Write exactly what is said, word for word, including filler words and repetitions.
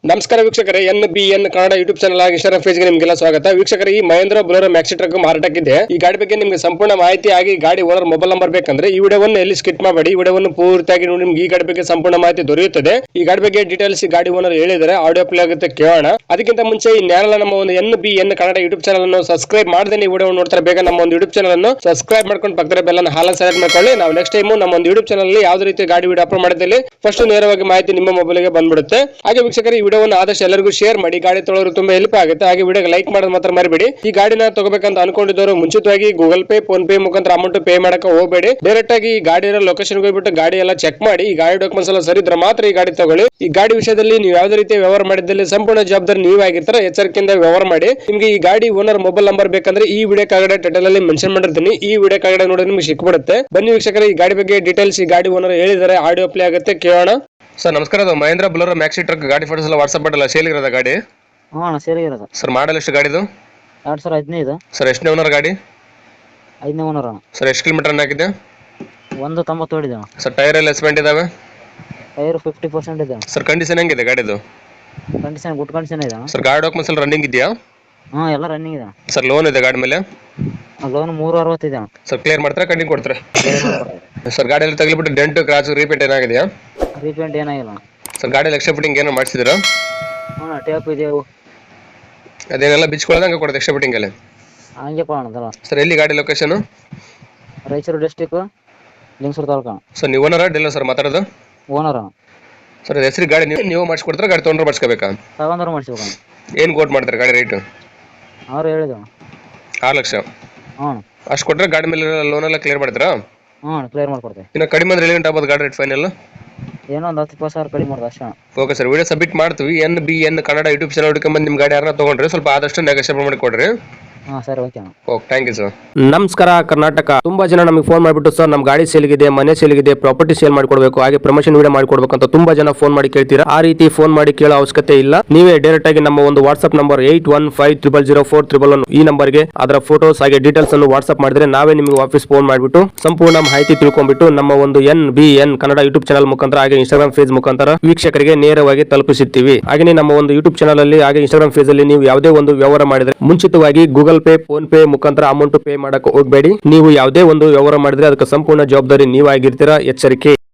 ನಮಸ್ಕಾರ ವೀಕ್ಷಕರೇ, N B N Kannada YouTube channel ಆಗಿ ಇನ್ಸ್ಟಾಗ್ರಾಮ್ ಪೇಜ್ಗೆ ನಿಮಗೆಲ್ಲ ಸ್ವಾಗತ. ವೀಕ್ಷಕರೇ, ಈ ಮಹೇಂದ್ರ ಬೊಲೆರೋ ಮ್ಯಾಕ್ಸಿ ಟ್ರಕ್ ಮಾರಾಟಕ್ಕಿದೆ. ಈ ಗಾಡಿ ಬಗ್ಗೆ ನಿಮಗೆ ಸಂಪೂರ್ಣ ಮಾಹಿತಿ ಆಗಿ ಗಾಡಿ ಓನರ್ ಮೊಬೈಲ್ ನಂಬರ್ ಬೇಕಂದ್ರೆ ಈ ವಿಡಿಯೋವನ್ನು ಎಲ್ಲಿ ಸ್ಕಿಪ್ ಮಾಡಬೇಡಿ. ಈ ವಿಡಿಯೋವನ್ನು ಪೂರ್ತಿಯಾಗಿ ನೋಡಿ, ನಿಮ್ಗೆ ಈ ಗಾಡಿ ಬಗ್ಗೆ ಸಂಪೂರ್ಣ ಮಾಹಿತಿ ದೊರೆಯುತ್ತದೆ. ಈ ಗಾಡಿ ಬಗ್ಗೆ ಡೀಟೇಲ್ಸ್ ಈ ಗಾಡಿ ಓನರ್ ಹೇಳಿದರೆ ಆಡಿಯೋ ಪ್ಲೇ ಆಗುತ್ತೆ, ಕೇಳೋಣ. ಅದಕ್ಕಿಂತ ಮುಂಚೆ ಈ ನ್ಯಾನಲ್ ನಮ್ಮ ಒಂದು N B N Kannada YouTube channel ಅನ್ನು ಸಬ್ಸ್ಕ್ರೈಬ್ ಮಾಡದೆ ಈ ವಿಡಿಯೋ ನೋಡ್ತಾರೆ, ಬೇಗ ನಮ್ಮ ಒಂದು ಯೂಟ್ಯೂಬ್ ಚಾನಲ್ ಅನ್ನು ಸಬ್ಸ್ಕ್ರೈಬ್ ಮಾಡ್ಕೊಂಡು ಪಕ್ಕದ ಬೆಲ್ ಅನ್ನು ಹಾಲ್ ಸೆಲೆಕ್ಟ್ ಮಾಡ್ಕೊಳ್ಳಿ. ನಾವು ನೆಕ್ಸ್ಟ್ ಟೈಮ್ ನಮ್ಮ ಒಂದು ಯೂಟ್ಯೂಬ್ ಚಾನಲ್ ಅಲ್ಲಿ ಯಾವುದೇ ರೀತಿ ಗಾಡಿ ವಿಡಿಯೋ ಅಪ್ಲೋಡ್ ಮಾಡಿದಲ್ಲಿ ಫಸ್ಟ್ ನೇರವಾಗಿ ಮಾಹಿತಿ ನಿಮ್ಮ ಮೊಬೈಲ್ಗೆ ಬಂದ್ಬಿಡುತ್ತೆ. ಹಾಗೆ ವೀಕ್ಷಕರು, ಈ ವಿಡಿಯೋವನ್ನು ಆದಷ್ಟು ಎಲ್ಲರಿಗೂ ಶೇರ್ ಮಾಡಿ, ಗಾಡಿ ತೊಗೊಳ್ಳೋರು ತುಂಬಾ ಹೆಲ್ಪ್ ಆಗುತ್ತೆ. ಹಾಗೆ ವಿಡಿಯೋಗೆ ಲೈಕ್ ಮಾಡೋದು ಮಾತ್ರ ಮರಿಬೇಡಿ. ಈ ಗಾಡಿನ ತಗೋಬೇಕಂತ ಅನ್ಕೊಂಡಿದ್ದವರು ಮುಂಚಿತವಾಗಿ ಗೂಗಲ್ ಪೇ, ಫೋನ್ ಪೇ ಮುಖಾಂತರ ಅಮೌಂಟ್ ಪೇ ಮಾಡಕ್ಕೆ ಹೋಗಬೇಡಿ. ಡೈರೆಕ್ಟ್ ಆಗಿ ಈ ಗಾಡಿ ಇರೋ ಲೊಕೇಶನ್ ಹೋಗ್ಬಿಟ್ಟು ಗಾಡಿ ಎಲ್ಲ ಚೆಕ್ ಮಾಡಿ, ಈ ಗಾಡಿ ಡಾಕ್ಯುಮೆಂಟ್ಸ್ ಎಲ್ಲ ಸರಿ ಇದ್ರೆ ಮಾತ್ರ ಈ ಗಾಡಿ ತಗೊಳ್ಳಿ. ಈ ಗಾಡಿ ವಿಷಯದಲ್ಲಿ ನೀವು ಯಾವುದೇ ರೀತಿ ವ್ಯವಹಾರ ಮಾಡಿದಲ್ಲಿ ಸಂಪೂರ್ಣ ಜವಾಬ್ದಾರಿ ನೀವೇ ಆಗಿರ್ತಾರೆ. ಎಚ್ಚರಿಕೆಯಿಂದ ವ್ಯವಹಾರ ಮಾಡಿ. ನಿಮ್ಗೆ ಈ ಗಾಡಿ ಓನರ್ ಮೊಬೈಲ್ ನಂಬರ್ ಬೇಕಂದ್ರೆ ಈ ವಿಡಿಯೋ ಕೆಳಗಡೆ ಟೈಟಲ್ ಅಲ್ಲಿ ಮೆನ್ಷನ್ ಮಾಡಿರ್ತೀನಿ, ಈ ವಿಡಿಯೋ ಕೆಳಗಡೆ ನೋಡಿ ನಿಮ್ಗೆ ಸಿಕ್ಬಿಡುತ್ತೆ. ಬನ್ನಿ ವೀಕ್ಷಕರೇ, ಈ ಗಾಡಿ ಬಗ್ಗೆ ಡೀಟೇಲ್ಸ್ ಈ ಗಾಡಿ ಓನರ್ ಹೇಳಿದರೆ ಆಡಿಯೋ ಪ್ಲೇ ಆಗುತ್ತೆ, ಕೇಳೋಣ. ಸರ್ ನಮಸ್ಕಾರ, ಅದು ಮಹೇಂದ್ರ ಬೊಲೆರೋ ಮ್ಯಾಕ್ಸಿ ಟ್ರಕ್ ಗಾಡಿ ಫೋಟೋಸ್ ಎಲ್ಲ ವಾಟ್ಸ್ಆಪ್ ಮಾಡಲ್ಲ, ಸೇಲ್ ಇರೋದ ಗಾಡಿ? ಹಾಂ ಸೇಲ್ ಇರೋದು ಸರ್. ಮಾಡಲ್ ಎಷ್ಟು ಗಾಡಿದು? ಎರಡು ಸಾವಿರ ಹದಿನೈದು. ಸರ್ ಎಷ್ಟನೇ ಓನರ್ ಗಾಡಿ? ಐದನೇ ಓನರ್. ಸರ್ ಎಷ್ಟು ಕಿಲೋಮೀಟರ್ ರನ್ ಆಗಿದೆ? ಒಂದು ತೊಂಬತ್ತು ಹೊಡಿದೆ. ಸರ್ ಟೈರ್ ಎಲ್ಲ ಎಸ್ಪೆಂಟ್ ಇದಾವೆ? ಟೈರ್ ಫಿಫ್ಟಿ ಪರ್ಸೆಂಟ್ ಇದೆ. ಸರ್ ಕಂಡೀಷನ್ ಹೆಂಗಿದೆ ಗಾಡಿದು? ಕಂಡೀಷನ್ ಗುಡ್ ಕಂಡೀಷನ್ ಇದೆ. ಸರ್ ಗಾಡಿ ಡಾಕ್ಯುಮೆಂಟ್ಸ್ ಎಲ್ಲ ರನ್ನಿಂಗ್ ಇದೆಯಾ? ಹಾಂ ಎಲ್ಲ ರನ್ನಿಂಗ್ ಇದೆ. ಸರ್ ಲೋನ್ ಇದೆ ಗಾಡಿ ಮೇಲೆ? ಲೋನ್ ಮೂರು ಅರವತ್ತಿದೆ. ಸರ್ ಕ್ಲಿಯರ್ ಮಾಡ್ತಾರೆ, ಕಂಟಿನ್ಯೂ ಕೊಡ್ತಾರೆ? ಸರ್ ಗಾಡಿ ಎಲ್ಲ ತಗಲಿಬಿಟ್ಟು ಡೆಂಟ್ ಕ್ರಾಚ್ ರೀಪೇಂಟ್ ಏನಾಗಿದೆಯಾ? ರೀಪೇಂಟ್ ಏನಾಗಿಲ್ಲ. ಸರ್ ಗಾಡಿ ಎಕ್ಸ್ಟ್ರಾ ಫಿಟ್ಟಿಂಗ್ ಏನೋ ಮಾಡಿಸಿದ್ರಾ? ಹಾಂ ಟ್ಯಾಪ್ ಇದೆ. ಅದೇನೆಲ್ಲ ಬಿಚ್ಕೊಳ್ಳೋದಂಗೆ ಕೊಡುತ್ತೆ ಎಕ್ಸ್ಟ್ರಾ ಫಿಟ್ಟಿಂಗ್ ಅಲ್ಲಿ? ಹಂಗೆ ಕೊಡೋಣದಲ್ಲ. ಸರ್ ಎಲ್ಲಿ ಗಾಡಿ location? Raichur district, Lingsugur taluk. Sir ನೀವು ಓನರ ಡೀಲರ್ ಸರ್ ಮಾತಾಡೋದು? ಓನರ್. ಸರ್ ಹೆಸರು ಗಾಡಿ ನೀವು ನೀವು ಮಾಡಿಸ್ಕೊಡ್ತಾರೆ, ಗಾಡಿ ತೊಗೊಂಡ್ರೆ ಮಾಡಿಸ್ಕೋಬೇಕಾ? ತಗೊಂಡ್ರೆ ಮಾಡಿಸ್ಬೇಕು. ಏನು ಕೋಟ್ ಮಾಡ್ತಾರೆ ಗಾಡಿ ರೇಟು? ಅವ್ರು ಹೇಳಿದ್ರು ಆರು ಲಕ್ಷ. ಹ್ಞೂ ಅಷ್ಟು ಕೊಟ್ಟರೆ ಗಾಡಿ ಮೇಲೆ ಲೋನ್ ಎಲ್ಲ ಕ್ಲಿಯರ್ ಮಾಡ್ತೀರಾ? ಹ್ಞೂ ಕ್ಲಿಯರ್ ಮಾಡ್ಕೊಡ್ತೀವಿ. ಇನ್ನು ಕಡಿಮೆ ಅಂದ್ರೆ ಎಲ್ಲಿ ಆಗ್ಬೋದು ಗಾಡಿ ರೇಟ್ ಫೈನಲ್? ಏನೋ ಒಂದು ಹತ್ತು ಇಪ್ಪತ್ತು ಸಾವಿರ ಕಡಿಮೆ ಮಾಡೋದು ಅಷ್ಟೇ. ಓಕೆ ಸರ್, ವಿಡಿಯೋ ಸಬ್ಮಿಟ್ ಮಾಡ್ತೀವಿ. N B N Kannada YouTube channel ಹುಡುಕೊಂಡ್ಬಂದು ನಿಮ್ಮ ಗಾಡಿ ಯಾರನ್ನ ತೊಗೊಂಡ್ರೆ ಸ್ವಲ್ಪ ಆದಷ್ಟು ನೆಗೋಷಿಯೇಟ್ ಮಾಡಿ ಕೊಡ್ರಿ. ಹಾಂ ಸರಿ, okay. Okay, thank you sir. ನಮಸ್ಕಾರ ಕರ್ನಾಟಕ. ತುಂಬಾ ಜನ ನಮಗೆ ಫೋನ್ ಮಾಡಿಬಿಟ್ಟು ಸರ್ ನಮ್ಮ ಗಾಡಿ ಸೇಲ್ಗಿದೆ, ಮನೆ ಸೇಲ್ಗಿದೆ, ಪ್ರಾಪರ್ಟಿ ಸೇಲ್ ಮಾಡ್ಕೊಡ್ಬೇಕು, ಹಾಗೆ ಪ್ರಮೋಷನ್ ವಿಡಿಯೋ ಮಾಡ್ಕೊಡ್ಬೇಕು ಅಂತ ತುಂಬಾ ಜನ ಫೋನ್ ಮಾಡಿ ಕೇಳ್ತೀರಾ. ಆ ರೀತಿ ಫೋನ್ ಮಾಡಿ ಕೇಳೋ ಅವಶ್ಯಕತೆ ಇಲ್ಲ. ನೀವೇ ಡೈರೆಕ್ಟ್ ಆಗಿ ನಮ್ಮ ಒಂದು WhatsApp number eight one five triple zero four triple one ಈ ನಂಬರ್ಗೆ ಅದರ ಫೋಟೋಸ್ ಹಾಗೆ ಡೀಟೇಲ್ಸ್ ಅನ್ನು ವಾಟ್ಸ್ಆಪ್ ಮಾಡಿದ್ರೆ ನಾವೇ ನಿಮಗೆ ವಾಪಸ್ ಫೋನ್ ಮಾಡಿಬಿಟ್ಟು ಸಂಪೂರ್ಣ ಮಾಹಿತಿ ತಿಳ್ಕೊಂಡ್ಬಿಟ್ಟು ನಮ್ಮ ಒಂದು N B N Kannada YouTube channel ಮುಖಾಂತರ ಹಾಗೆ ಇನ್ಸ್ಟಾಗ್ರಾಮ್ ಪೇಜ್ ಮುಖಾಂತರ ವೀಕ್ಷಕರಿಗೆ ನೇರವಾಗಿ ತಲುಪಿಸುತ್ತೀವಿ. ಹಾಗೆ ನಮ್ಮ ಒಂದು ಯೂಟ್ಯೂಬ್ ಚಾನಲ್ ಅಲ್ಲಿ ಹಾಗೆ ಇನ್ಸ್ಟಾಗ್ರಾಮ್ ಪೇಜ್ ಅಲ್ಲಿ ನೀವು ಯಾವುದೇ ಒಂದು ವ್ಯವಹಾರ ಮಾಡಿದ್ರೆ ಮುಂಚಿತವಾಗಿ ಗೂಗಲ್ ಪೇ, ಫೋನ್ ಪೇ ಮುಖಾಂತರ ಅಮೌಂಟ್ ಪೇ ಮಾಡಕ್ಕೆ ಹೋಗಬೇಡಿ. ನೀವು ಯಾವುದೇ ಒಂದು ವ್ಯವಹಾರ ಮಾಡಿದ್ರೆ ಅದಕ್ಕೆ ಸಂಪೂರ್ಣ ಜವಾಬ್ದಾರಿ ನೀವಾಗಿರ್ತೀರಾ. ಎಚ್ಚರಿಕೆ.